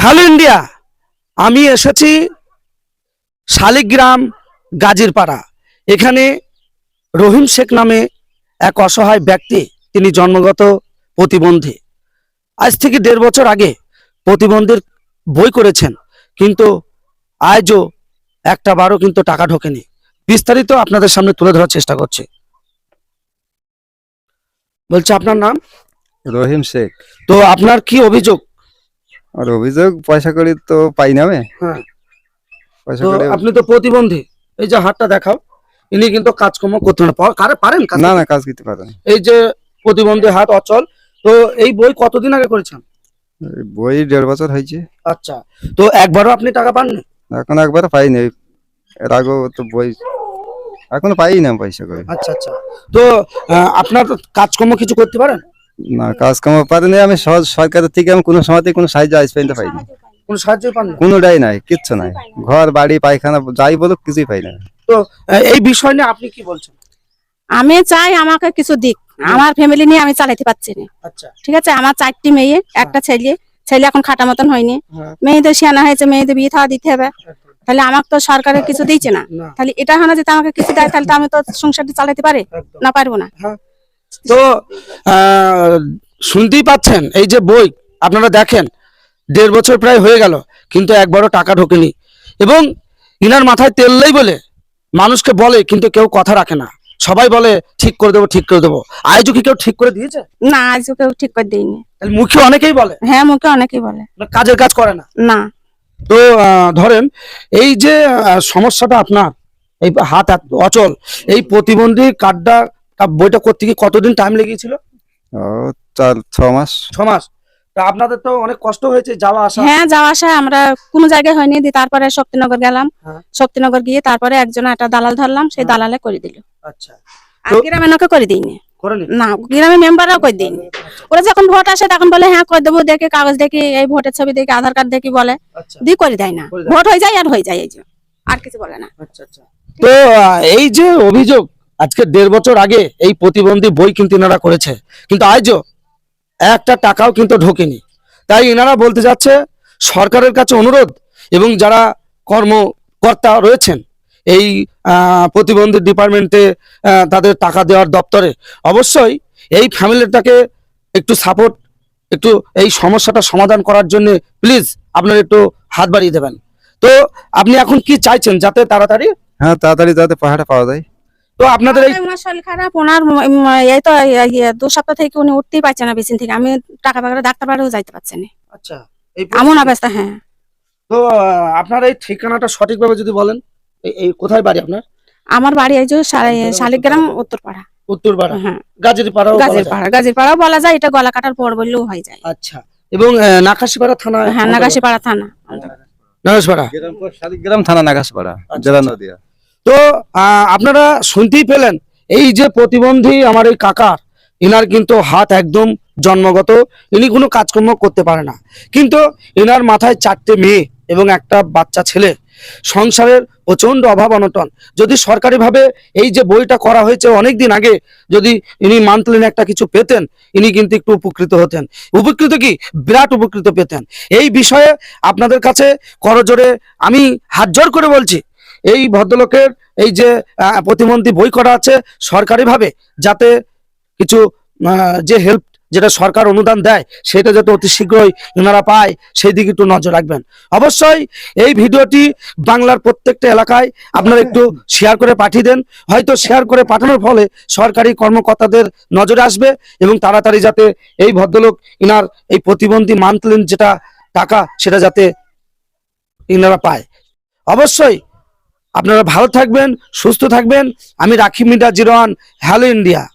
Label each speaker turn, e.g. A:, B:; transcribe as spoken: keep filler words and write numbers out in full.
A: Hello India, আমি এসেছি শালিগ্রাম গাজীরপাড়া। এখানে রহিম শেখ নামে এক অসহায় ব্যক্তি, তিনি জন্মগত প্রতিবন্ধী। আজ থেকে দেড় বছর আগে প্রতিবন্ধীর বই করেছেন, কিন্তু আজও একটা বারও কিন্তু টাকা ঢোকেনি। বিস্তারিত আপনাদের সামনে তুলে ধরার চেষ্টা করছি। বলছে আপনার নাম?
B: রহিম শেখ।
A: তো আপনার কি অভিযোগ?
B: আর অভিযোগ পয়সা করি তো পাই না আমি।
A: হ্যাঁ,
B: পয়সা
A: তো
B: করি
A: আপনি তো প্রতিবন্ধী, এই যে হাতটা দেখাও, ইনি কিন্তু কাজকর্ম করতে না কারে পারেন কাজ
B: না
A: করতে?
B: না কাজ করতে পারে না।
A: এই যে প্রতিবন্ধী হাত অচল, তো এই বই কতদিন আগে করেছেন?
B: এই বই দেড় বছর হয়েছে,
A: আচ্ছা, তো একবারও আপনি টাকা পাননি?
B: এখন একবার পাইনি। এর আগেও তো বই এখনো পাই না পয়সা করে।
A: আচ্ছা আচ্ছা, তো আহ, আপনার কাজকর্ম কিছু করতে পারেন?
B: না, কাজ কাম পারিনি আমি। সহজ সরকারের থেকে আমি কোনো সময়তে কোনো সাহায্য আজ পর্যন্ত পাইনি।
A: কোনো সাহায্য পান না?
B: কোনোটাই নাই, কিচ্ছু নাই। ঘর বাড়ি পায়খানা যাই বলুক কিছুই পাই না।
A: তো আহ, এই বিষয় নিয়ে আপনি কি বলছেন?
C: আমি চাই আমাকে কিছু দিক, আমার ফ্যামিলি নিয়ে আমি চালাতে পারছি না।
A: আচ্ছা,
C: ঠিক আছে, আমার চারটি মেয়ে, একটা ছেলে। ছেলে এখন খাটা মতন হয়নি,
A: হ্যাঁ,
C: মেয়েদের সিয়ানা হয়েছে, মেয়েদের বিয়ে থাওয়া দিতে হবে। তাহলে আমাকে তো সরকারের কিছু দিচ্ছে না।
A: না,
C: তাহলে এটা হয় না যদি আমাকে কিছু দেয়, তাহলে তো আমি তো সংসারটা চালাতে পারি
A: একদম।
C: না, পারবো না।
A: হ্যাঁ, তো আহ, শুনতেই পাচ্ছেন, এই যে বই আপনারা দেখেন, দেড় বছর প্রায় হয়ে গেল, কিন্তু একবারও টাকা ঢোকেনি। এবং ইনার মাথায় তেললেই বলে মানুষকে বলে, কিন্তু কেউ কথা রাখে না। সবাই বলে ঠিক করে দেবো, ঠিক করে দেবো। আজও কি কেউ ঠিক করে দিয়েছে?
C: না, আজও কেউ ঠিক করে দিইনি।
A: তাহলে মুখে অনেকেই বলে,
C: হ্যাঁ, মুখে অনেকেই বলে,
A: কাজের কাজ করে না।
C: না।
A: তো আহ, ধরেন এই যে আহ, সমস্যাটা আপনার, এই হাত এত অচল, এই প্রতিবন্ধী কার্ডটা বইটা করতে কি কতদিন টাইম লেগেছিল?
B: ও চার ছ মাস।
A: ছ মাস। তা আপনাদের তো অনেক কষ্ট হয়েছে যাওয়া আসা।
C: হ্যাঁ, যাওয়া আসা আমরা কোনো জায়গায় হয়নি। দিয়ে তারপরে শক্তিনগর গেলাম,
A: হ্যাঁ।
C: শক্তিনগর গিয়ে তারপরে একজন একটা দালাল ধরলাম, সেই
A: হ্যাঁ।
C: দালালে করে দিল।
A: আচ্ছা,
C: আর
A: তো-
C: গ্রামে নাকি করে দিইনি,
A: করেনি?
C: না, গ্রামের মেম্বাররাও করে দিইনি। ওরা যখন ভোট আসে তখন বলে হ্যাঁ করে দেবো, দেখে কাগজ দেখি, এই ভোটের ছবি দেখি, আধার কার্ড দেখি বলে,
A: আচ্ছা
C: দিয়ে করে দেয় না।
A: করে দেয়।
C: ভোট হয়ে যায় আর হয়ে যায়, এই যে আর কিছু বলে না।
A: আচ্ছা আচ্ছা, তো আহ, এই যে অভিযোগ, আজকে দেড় বছর আগে এই প্রতিবন্ধী বই কিন্তু এনারা করেছে, কিন্তু আজও একটা টাকাও কিন্তু ঢোকেনি। তাই এনারা বলতে যাচ্ছে সরকারের কাছে অনুরোধ, এবং যারা কর্মকর্তা রয়েছেন এই আহ, প্রতিবন্ধী ডিপার্টমেন্টে, আহ, তাদের টাকা দেওয়ার দপ্তরে, অবশ্যই এই ফ্যামিলিটাকে একটু সাপোর্ট, একটু এই সমস্যাটা সমাধান করার জন্য প্লিজ আপনারা একটু হাত বাড়িয়ে দেবেন। তো আপনি এখন কি চাইছেন যাতে তাড়াতাড়ি?
B: হ্যাঁ, তাড়াতাড়ি যাতে পাহাড়টা পাওয়া যায়।
A: তো আপনাদের এই
C: ওনার শরীর খারাপ, ওনার উম, এই তো ইয়ে, দু সপ্তাহ থেকে উনি উঠতেই পারছে না বিছানা থেকে। আমি টাকা পাকা ডাক্তার বাড়িও যাইতে পারছি না,
A: আচ্ছা, এই
C: এমন
A: পরিস্থিতি।
C: অবস্থা। হ্যাঁ,
A: তো আহ, আপনার এই ঠিকানাটা সঠিকভাবে যদি বলেন, এই- এই কোথায় বাড়ি আপনার?
C: আমার বাড়ি এই যে শা- শালিগ্রাম উত্তরপাড়া।
A: উত্তরপাড়া,
C: হ্যাঁ,
A: গাজীরপাড়াও বলা
C: গাজীর
A: যায়।
C: পাড়া, গাজীর পাড়াও বলা যায়, এটা গলা কাটার পর বললেও হয়ে যায়।
A: আচ্ছা, এবং আহ, নাকাশিপাড়া থানা?
C: হ্যাঁ, নাগাশিপাড়া থানা।
A: নাকাশিপাড়া।
B: শালিগ্রাম থানা, নাগাসপাড়া, জেলা নদিয়া।
A: তো আহ, আপনারা শুনতেই পেলেন, এই যে প্রতিবন্ধী আমার এই কাকার, ইনার কিন্তু হাত একদম জন্মগত, ইনি কোনো কাজকর্ম করতে পারে না, কিন্তু ইনার মাথায় চারটে মেয়ে এবং একটা বাচ্চা ছেলে, সংসারের প্রচন্ড অভাব অনটন। যদি সরকারিভাবে এই যে বইটা করা হয়েছে অনেক দিন আগে, যদি ইনি মান্থলি একটা কিছু পেতেন, ইনি কিন্তু একটু উপকৃত হতেন। উপকৃত কি, বিরাট উপকৃত পেতেন। এই বিষয়ে আপনাদের কাছে করজোরে আমি হাত জোর করে বলছি, এই ভদ্রলোকের এই যে আহ, প্রতিবন্ধী বই করা আছে সরকারিভাবে, যাতে কিছু আহ, যে হেল্প, যেটা সরকার অনুদান দেয়, সেটা যাতে অতি শীঘ্রই ওনারা পায়, সেই দিকে একটু নজর রাখবেন। অবশ্যই এই ভিডিওটি বাংলার প্রত্যেকটা এলাকায় আপনারা একটু শেয়ার করে পাঠিয়ে দেন। হয়তো শেয়ার করে পাঠানোর ফলে সরকারি কর্মকর্তাদের নজরে আসবে, এবং তাড়াতাড়ি যাতে এই ভদ্রলোক ইনার এই প্রতিবন্ধী মান্থলি যেটা টাকা, সেটা যাতে ইনারা পায়। অবশ্যই আপনারা ভালো থাকবেন, সুস্থ থাকবেন। আমি রাখি media zero one, hello India.